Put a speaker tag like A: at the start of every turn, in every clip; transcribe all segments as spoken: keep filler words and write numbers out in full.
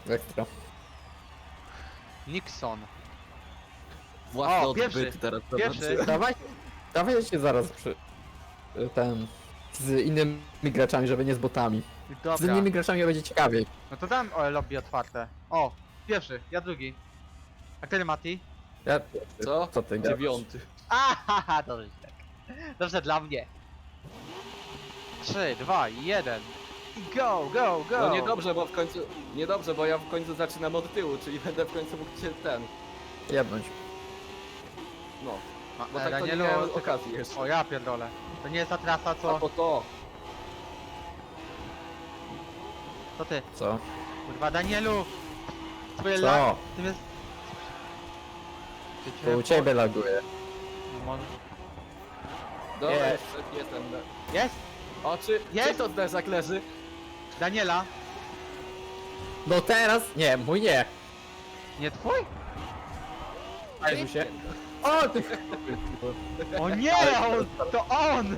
A: Ekstra.
B: Nixon.
C: Własne
B: O, pierwszy,
C: odbyty teraz.
B: pierwszy.
A: Dawaj, dawaj się zaraz przy... ten... z innymi graczami, żeby nie z botami. Z
B: Dobra.
A: innymi graczami będzie ciekawiej.
B: No to dam o, lobby otwarte. O, pierwszy, ja drugi. A który Mati?
A: Ja...
C: Co?
A: Co ty gadasz?
C: Dziewiąty.
B: Ahaha, dobrze tak. Dobrze dla mnie. trzy, dwa, jeden. I go, go, go!
C: No niedobrze, bo w końcu... Niedobrze, bo ja w końcu zaczynam od tyłu, czyli będę w końcu mógł cię ten...
A: Jebnąć.
C: No.
B: Ma,
C: Bo
B: e,
C: tak to nie
B: Danielu,
C: miałem
B: tylko-
C: okazji jeszcze.
B: O ja pierdolę. To nie jest ta trasa
C: A
B: co...
C: po to.
B: To ty.
A: Co?
B: Kurwa Danielu! Twoje lag...
A: Co?
B: Tym jest...
A: To u ciebie laguje.
B: Mon-
C: Dobra,
A: Nie.
C: jeszcze jestem.
B: Jest!
C: O, czy...
B: Jest?
C: Czy to zderzak leży?
B: Daniela!
A: No teraz? Nie, mój nie.
B: Nie twój?
A: Jezu się. O, ty...
B: O nie! On, to on!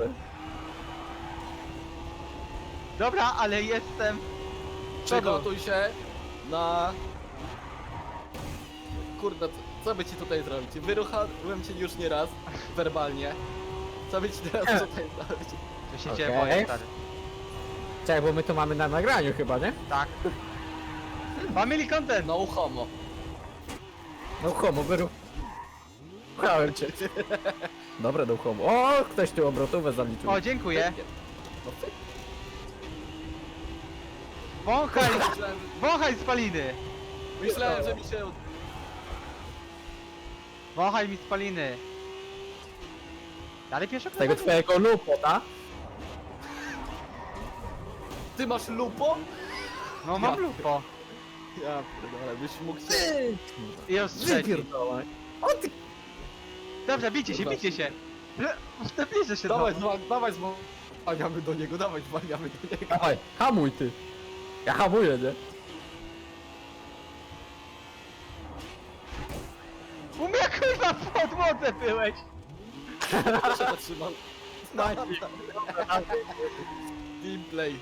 B: Dobra, ale jestem...
C: Przygotuj się na... Kurde, co- co by ci tutaj zrobić? Wyruchałem cię już nie raz, werbalnie. Co by ci teraz tutaj zrobić?
B: To się cię
A: Okej.
B: boję, stary.
A: Czekaj, bo my to mamy na nagraniu chyba, nie?
B: Tak. Family content!
C: No homo.
A: No homo, wyru... Ruchałem cię. Dobra, do homo. O, ktoś tu obrotówę zaliczył.
B: O, dziękuję.
C: No ty...
B: Wąchaj!
C: Myślałem,
B: Wąchaj spaliny!
C: myślałem, że mi się...
B: Wąchaj mi spaliny! Dalej pieszo
A: Tego twojego lupota.
C: Ty masz lupo?
B: No mam
C: Ja-
B: lupo.
C: Ja pierdolę, byś mógł się...
A: Ty!
B: I już trzeci.
A: Wypierdolaj. O ty...
B: Dobrze, bijcie się, bijcie się! Bliżej się
C: Dawaj,
B: znowu.
C: zwa- dawaj, zwalniamy do niego, dawaj, zwalniamy do niego.
A: Dawaj, hamuj ty. Ja hamuję, nie?
B: U mnie kurwa pod młodze byłeś!
C: Ja się zatrzymam. Gameplay.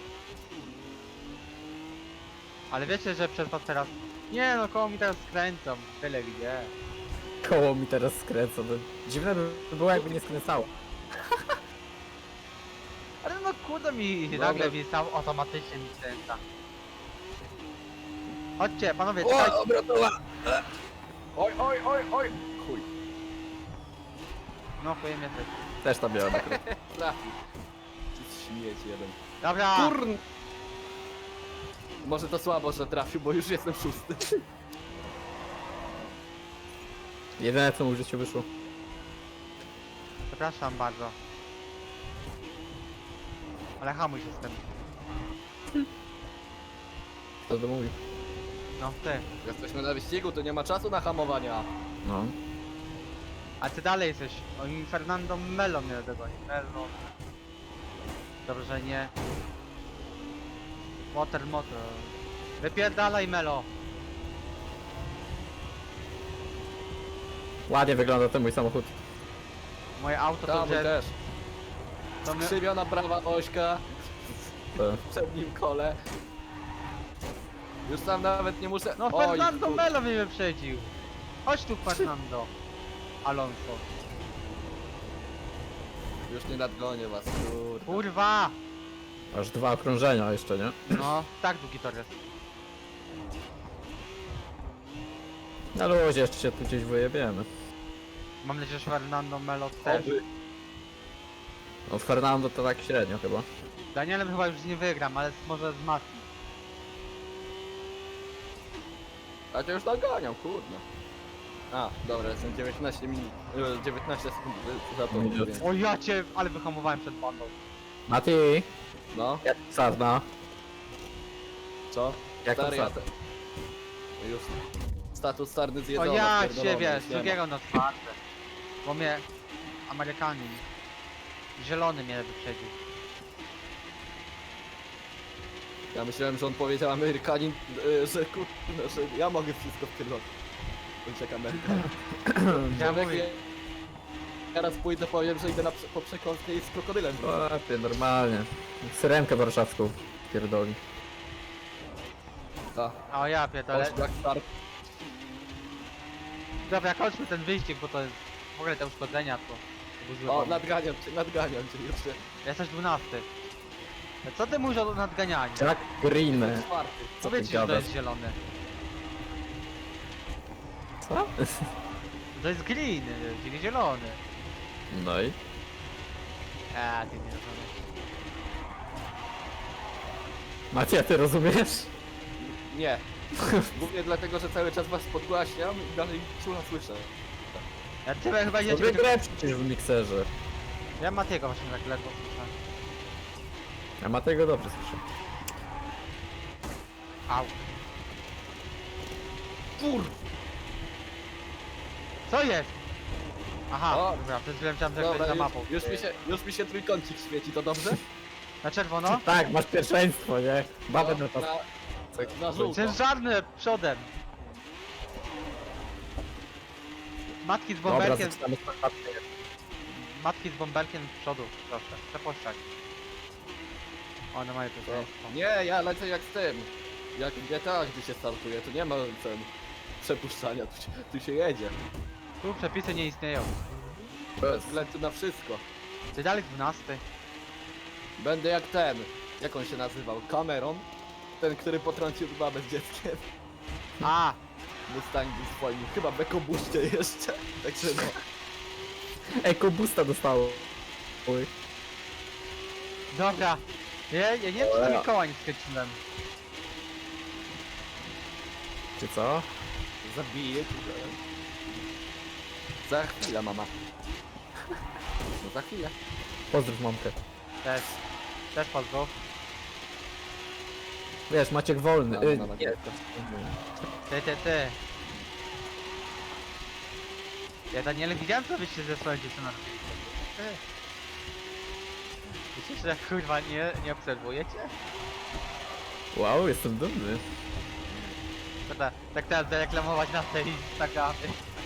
B: Ale wiecie, że przez was teraz... Nie no, koło mi teraz skręcą. Tyle widzę.
A: Koło mi teraz skręca. No. Dziwne by było, jakby nie skręcało.
B: Ale no kurde mi
C: Dobra.
B: nagle mi sam automatycznie mi skręca. Chodźcie, panowie, czekajcie.
A: O, obrotowa.
C: Oj, oj, oj, oj. Chuj.
B: No chujem jesteś.
A: Też tam miałem akurat.
C: Trafił. Śmieć jeden.
B: Dobra!
C: Kurn... Może to słabo, że trafił, bo już jestem szósty.
A: Jedyne co mu w życiu wyszło.
B: Przepraszam bardzo. Ale hamuj się z tym.
A: Co to mówi?
B: No ty.
C: Jesteśmy na wyścigu, to nie ma czasu na hamowania.
A: No.
B: A ty dalej jesteś. Oni Fernando Melo mnie dogoni. Melo. Dobrze, że nie. Motor, motor. Wypierdalaj Melo.
A: Ładnie wygląda ten mój samochód.
B: Moje auto to
C: Tam
B: że...
C: też.
B: To my...
C: Skrzywiona prawa ośka
A: To.
C: w przednim kole. Już tam nawet nie muszę...
B: No
C: Oj,
B: Fernando
C: kur-
B: Melo mnie wyprzedził. Chodź tu Fernando. Alonso.
C: Już nie nadgonię was, kurde.
B: Kurwa!
A: Aż dwa okrążenia jeszcze, nie?
B: No, tak długi tor jest.
A: Na luzie jeszcze się tu gdzieś wyjebiemy.
B: Mam nadzieję, że Fernando Melo też.
C: Oby.
A: No Fernando to tak średnio chyba.
B: Danielem chyba już nie wygram, ale może z Mati.
C: A cię już naganiam, kurde. A, dobra, jestem dziewiętnaście minut, e, dziewiętnaście sekund e, za to.
A: Minut.
C: Więc,
B: O ja cię, ale wyhamowałem przed bandą.
A: Mati!
C: no,
A: Jak sarna?
C: co?
A: Jak tam
C: Stary, ja
A: sarna?
C: te... Już status starny
B: O
C: zjedzony.
B: ja
C: pierdolony,
B: cię wiesz,
C: już nie ma.
B: drugiego na czwarte. Bo mnie Amerykanin zielony mnie wyprzedził.
C: Ja myślałem, że on powiedział Amerykanin, e, że kurde, że ja mogę wszystko w kierunku. Bądź jak Amerykanin.
B: Ja
C: Człowiek,
B: mówię,
C: teraz pójdę, powiem, że idę na, prze- po przekąskę i z krokodylem.
A: Łapie, normalnie. Syrenkę warszawską pierdoli.
C: Ta.
B: O ja pierdolę.
C: Poszła start.
B: Dobra, kończmy ten wyścig, bo to jest... W ogóle te uszkodzenia to... to był zły
C: O,
B: pomysł.
C: nadganiam cię, nadganiam cię jeszcze.
B: Jesteś dwunasty. Co ty mówisz o nadganianiu?
A: Jack Green.
C: Czwarty.
A: Co ty
B: Powiedz, że to
A: gadasz?
B: jest zielony.
A: Co?
B: To jest green, czyli zielony.
A: No i?
B: A, ty nie rozumiesz.
A: Macie, ty rozumiesz?
C: Nie. Głównie dlatego, że cały czas was podgłaśniam i dalej czula słyszę.
B: Ja ciebie chyba nie
A: Dobry grę przecież w mikserze.
B: Ja Matiego właśnie tak ledwo słyszę.
A: A ma tego dobrze słyszę.
B: Au.
C: Kur...
B: Co jest? Aha,
C: O,
B: dobra, przez chwilę myślałem, że
C: Dobra,
B: ktoś za
C: już,
B: mapą.
C: już, mi się, już mi się trójkącik świeci, to dobrze?
B: Na czerwono?
A: Tak, masz pierwszeństwo, nie? Babę
C: No,
A: na to.
C: na, na żółto.
B: Ciężarny przodem. Matki z
A: Dobra,
B: bąbelkiem,
A: zaczynamy startację.
B: matki z bąbelkiem z przodu, proszę, przepuszczać. One mają to zajęstwo.
C: Nie, ja lecę jak z tym. Jak w G T A, gdy się startuje, to nie ma ten przepuszczania, tu się, tu się jedzie.
B: Tu przepisy nie istnieją.
C: Bez względu na wszystko.
B: Ty dalej dwunasty.
C: Będę jak ten, jak on się nazywał, Cameron? Ten, który potrącił babę z dzieckiem.
B: A,
C: Mustangu swoim, chyba w ekobuście jeszcze. Także no.
A: Eko boosta dostało. Oj.
B: dobra. Ja, ja nie wiem, czy to
A: Dobra.
B: Mikołaj nie skręciłem.
A: Czy co?
C: Zabiję cię. Za chwilę, mama. No za chwilę.
A: Pozdrów mamkę.
B: Też. Też pozdrów.
A: Wiesz, Maciek wolny.
C: Mama,
A: Y,
C: mama,
A: nie.
C: dziecko.
B: Ty, ty, ty. Ja Daniele widziałem, co wyście ze swoją dziewczyną robili. Ty. Myślisz, że kurwa nie, nie obserwujecie?
A: Wow, jestem dumny.
B: Dobra, tak teraz zareklamować na tej Instagramie.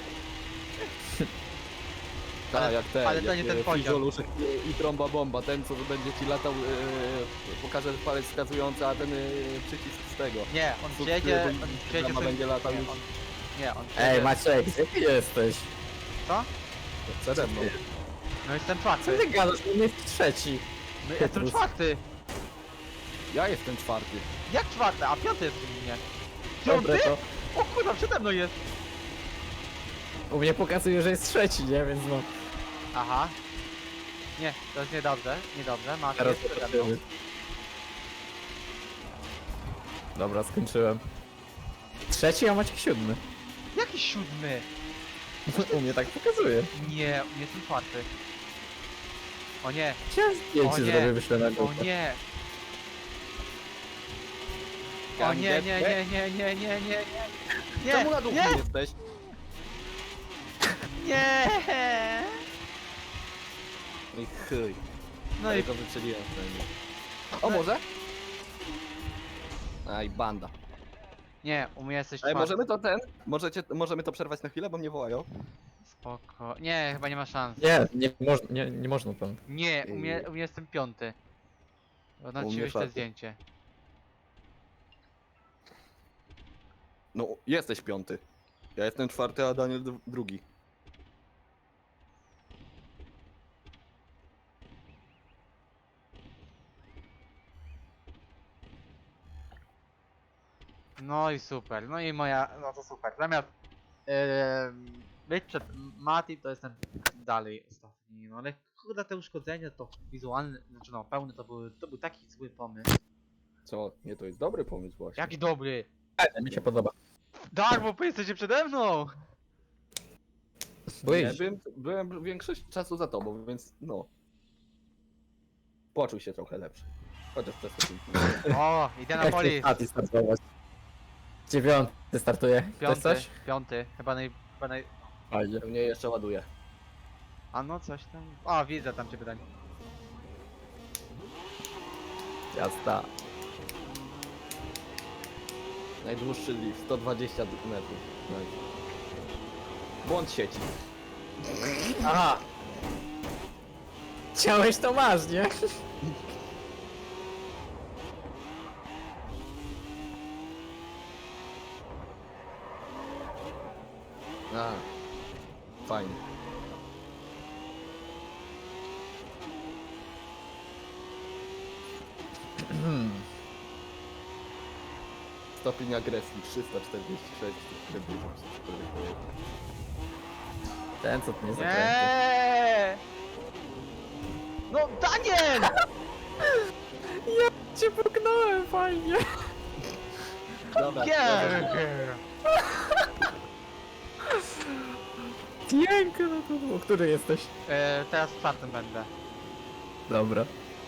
C: Tak,
B: Ale-
C: jak ten,
B: ale to
C: jak,
B: nie ten
C: e,
B: poziom.
C: fizjoluszek i, i trąba bomba, ten co będzie ci latał, e, pokaże palec wskazujący, a ten e, przycisk z tego.
B: Nie, on
C: Subskrybuj,
B: przyjedzie, on przyjedzie
C: Instagrama
B: sobie...
C: będzie latał
B: nie,
C: już.
B: on, nie, on przyjedzie...
A: Ej, Maciek, gdzie ty jesteś?
B: Co?
C: Przede mną.
B: No jestem
A: Co
B: czwarty.
A: ty gadasz? On jest trzeci.
B: No jestem
A: Petrus.
B: czwarty.
C: Ja jestem czwarty.
B: Jak czwarty? A piąty jest u mnie.
A: Dobre
B: Piąty?
A: to.
B: O kurwa, przede mną jest.
A: U mnie pokazuje, że jest trzeci, nie? Więc no.
B: Aha. Nie, to jest niedobrze, niedobrze. Masz
A: Teraz
B: jest przede mną.
A: zobaczymy. Dobra, skończyłem. Trzeci, a Maciek siódmy.
B: Jaki siódmy?
A: U mnie tak pokazuje.
B: Nie, u mnie jestem czwarty. O nie,
A: Chciałem
B: O
A: zdjęcie
B: nie.
A: zrobię, wyślę na
B: o
A: grupę.
B: nie. O nie, nie, nie, nie, nie, nie, nie, nie.
C: Czemu na
B: Nie,
C: duchu
B: nie,
C: jesteś?
B: nie.
C: No i chuj.
B: No i
C: to wyczyliłem. O może? Aj, banda.
B: nie, u mnie jesteś
C: Ej,
B: czwarty.
C: możemy to ten? Możecie, możemy to przerwać na chwilę, bo mnie wołają.
B: Spoko. Nie, chyba nie ma szans.
A: Nie, nie, moż, nie, nie można tam.
B: Nie, u mnie, u mnie jestem piąty. No
C: U
B: ci
C: mnie
B: wyślę
C: czwarty.
B: zdjęcie.
C: No, jesteś piąty. Ja jestem czwarty, a Daniel dru- drugi.
B: No i super, no i moja, no to super. Zamiast yy, być przed Mati, to jestem dalej ostatni. No ale kurde, te uszkodzenia to wizualne, znaczy no pełne to był, to był taki zły pomysł.
C: Co? Nie, to jest dobry pomysł właśnie.
B: Jaki dobry!
A: Fajne, mi się podoba.
B: Tak, bo wy jesteście przede mną!
C: Nie,
A: Byłeś.
C: byłem, byłem większość czasu za tobą, więc no. Poczuł się trochę lepszy. Chociaż przez to
B: O, idę na
A: Jak
B: polis.
A: chcesz Mati startować? Dziewiąty startuje. Chcesz
B: Piąty,
A: coś?
B: piąty, chyba naj, chyba naj...
A: Fajnie.
C: mnie jeszcze ładuje.
B: A no coś tam... O, widzę tam cię pytanie.
A: Jazda.
C: Najdłuższy lift, sto dwadzieścia metrów. Nice. Błąd sieci.
A: Aha! Chciałeś, to masz, nie?
C: A, fajnie. Stopień agresji trzysta czterdzieści sześć.
A: Ten co tu nie zakręty.
B: Nie! No Daniel!
A: Cię puknąłem fajnie.
C: Dobra,
B: Nie!
A: Piękno to było. Który jesteś?
B: E, teraz w czwartym będę.
A: Dobra.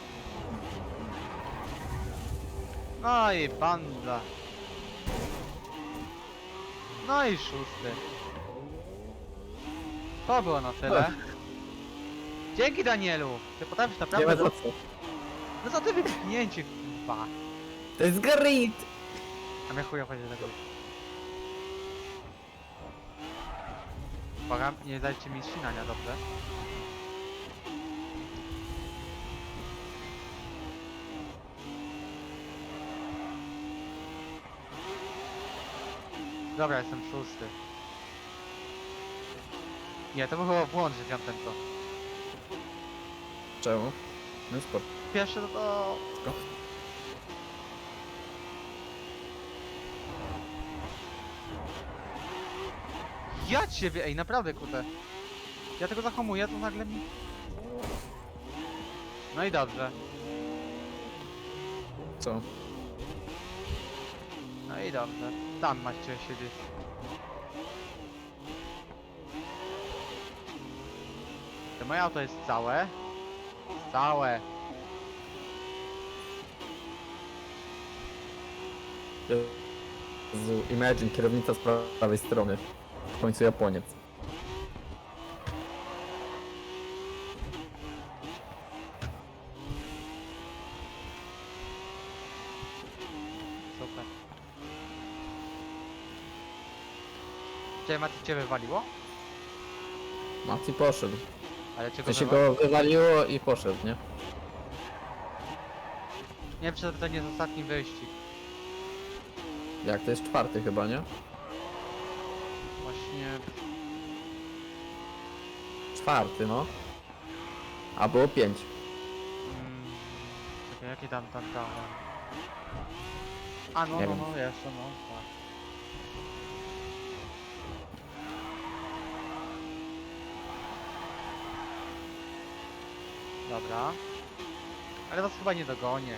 B: No i banda. No i szósty. To było na tyle. Dzięki Danielu! Ty potrafisz
A: Nie ma
B: naprawdę...
A: za co.
B: No co ty wypchnięcie, kurwa.
A: To jest grit!
B: A mnie chuja chodzi do tego. Uwaga, nie dajcie mi ścinania, dobrze? Dobra, jestem szósty. Nie, to był chyba błąd, że wziąłem ten to.
A: Czemu? No spoko.
B: Pierwszy to to... Ja ciebie, ej, naprawdę, kurde. Ja tego zahamuję, to nagle mi... No i dobrze.
A: Co?
B: No i dobrze. Tam macie siedzieć. To moje auto jest całe. Całe.
A: Jezu, Imagine, kierownica z prawej strony. W końcu Japoniec.
B: Super. Ciebie Mati cię wywaliło?
A: Mati poszedł.
B: Ale
A: To
B: czego
A: się
B: wywa-
A: go wywaliło i poszedł, nie?
B: Nie wiem, czy to nie jest ostatni wyścig.
A: Jak to jest czwarty chyba, nie?
B: Właśnie...
A: Czwarty, no. A było pięć.
B: Mm, czekaj, jaki tam tam tam... A no,
A: Nie
B: no,
A: wiem.
B: no, jeszcze no, tak. Dobra. Ale was chyba nie dogonię.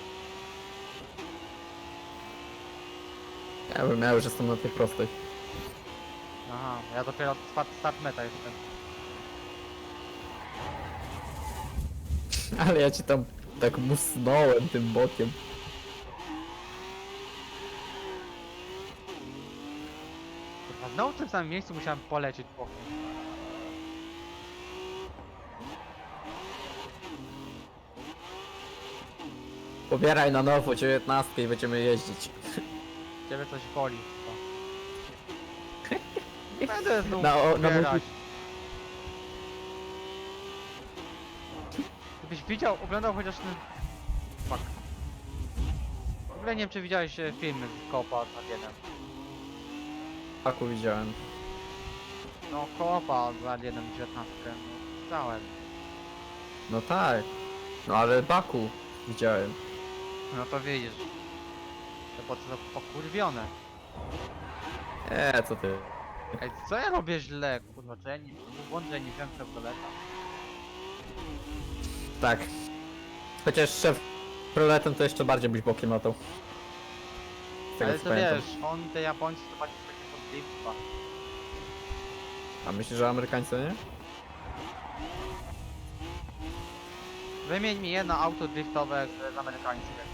A: Ja bym miał, że jestem na tej prostej.
B: Aha, ja dopiero start, start meta jestem.
A: Ale ja ci tam tak musnąłem tym bokiem.
B: Kurwa, znowu w tym samym miejscu musiałem polecieć bokiem.
A: Pobieraj na nowo dziewiętnastkę i będziemy jeździć.
B: Ciebie coś boli. To. Będę znów
A: Na, o, na
B: pobierać.
A: mój...
B: Gdybyś widział, oglądał chociaż ten... Fuck. W ogóle nie wiem, czy widziałeś e, filmy z Kopa z Alienem.
A: Paku widziałem.
B: No, Kopa z Alienem dziewiętnastkę. No, widziałem.
A: No tak. No ale Baku widziałem.
B: No to widzisz. To po co to pokurwione.
A: Eee, co ty?
B: Ej, co ja robię źle? Kurwa, czy ja nie... Błąd, że ja nie wziąłem Chevroleta.
A: Tak. Chociaż szef proletem to jeszcze bardziej byś bokiem latał. Z tego
B: Ale
A: co
B: to
A: pamiętam.
B: wiesz, on te Japońcy to bardziej takie pod drifta.
A: A myślisz, że Amerykańcy nie?
B: Wymień mi jedno auto driftowe z, z amerykańskie.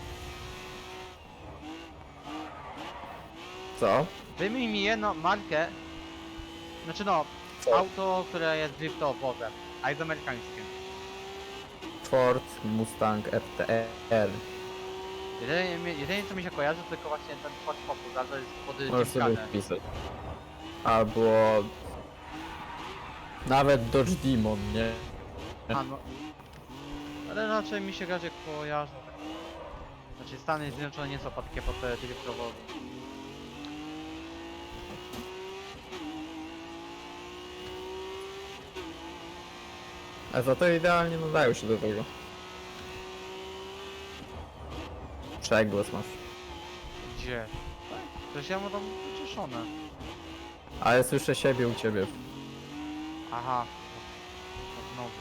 A: Co?
B: Wymień mi jedno markę. Znaczy no,
A: Co?
B: auto, które jest driftowe, a jest amerykańskie.
A: Ford Mustang R T R.
B: Jedynie, jedynie co mi się kojarzy to tylko właśnie ten Ford Focus, ale to jest pod
A: Możesz sobie
B: Gymkhana.
A: wpisać. Albo... Nawet Dodge Demon, nie?
B: A no. Ale raczej mi się raczej kojarzą. Znaczy Stany Zjednoczone nie są takie pod te driftowe.
A: A za to idealnie nadają się do tego. Przegłos masz.
B: Gdzie? Przecież ja mam tam wyciszone.
A: Ale słyszę siebie u ciebie.
B: Aha. To znowu.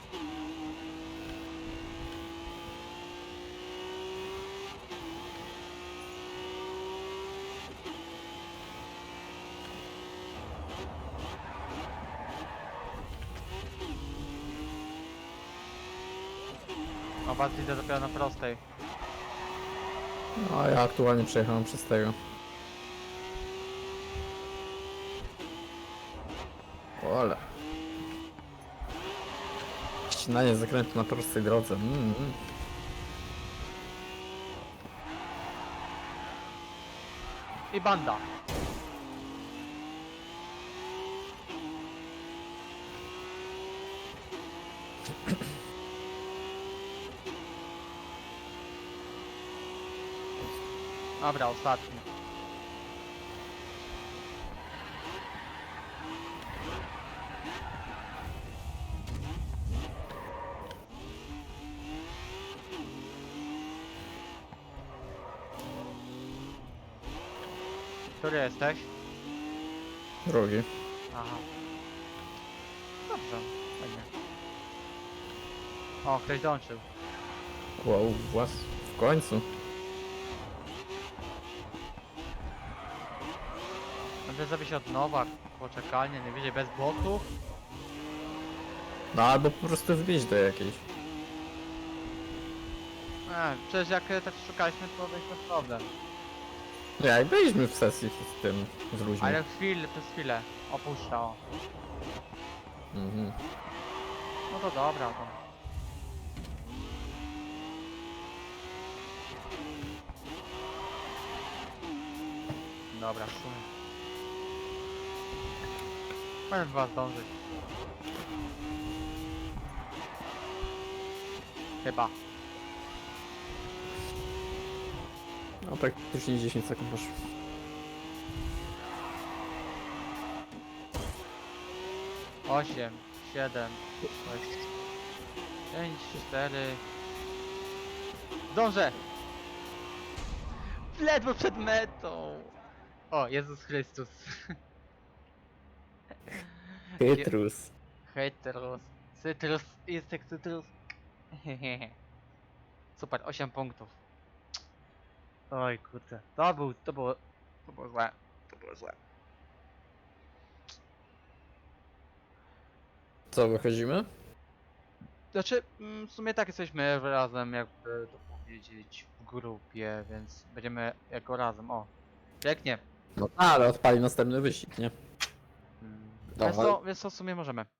B: O, was widzę dopiero na prostej.
A: No a ja aktualnie przejechałem przez tego. Ole. Ścinanie zakrętu na prostej drodze. Mm, mm.
B: I banda. Dobra, ostatni. Który jesteś?
A: Drogi.
B: Aha. Dobrze, fajnie. O, ktoś dołączył.
A: Wow, włas. W końcu.
B: Będę zrobić od nowa, poczekalnie, nie wiedzieć, bez bloków.
A: No albo po prostu wbić do jakiejś.
B: E, przecież jak e, tak szukaliśmy, to byliśmy problem.
A: No jak byliśmy w sesji z tym, z ludźmi.
B: Ale chwilę, przez chwilę opuszcza, o.
A: Mhm.
B: No to dobra, to. Dobra, w sumie. Będę do was dążyć. Chyba.
A: No praktycznie dziesięć sekund masz.
B: osiem, siedem, sześć, pięć, cztery. Dążę! Ledwo przed metą! O, Jezus Chrystus.
A: Chytrus.
B: Hejterus. Cytrus, jest jak cytrus. Super, osiem punktów. Oj kurde, to był, to było, to było złe. To było złe.
A: Co, wychodzimy?
B: Znaczy, mm, w sumie tak jesteśmy razem, jakby to powiedzieć, w grupie, więc będziemy jako razem, o. Pięknie.
A: No ale odpali następny wyścig, nie?
B: Mm,
A: Dawaj.
B: Więc to, więc to w sumie możemy.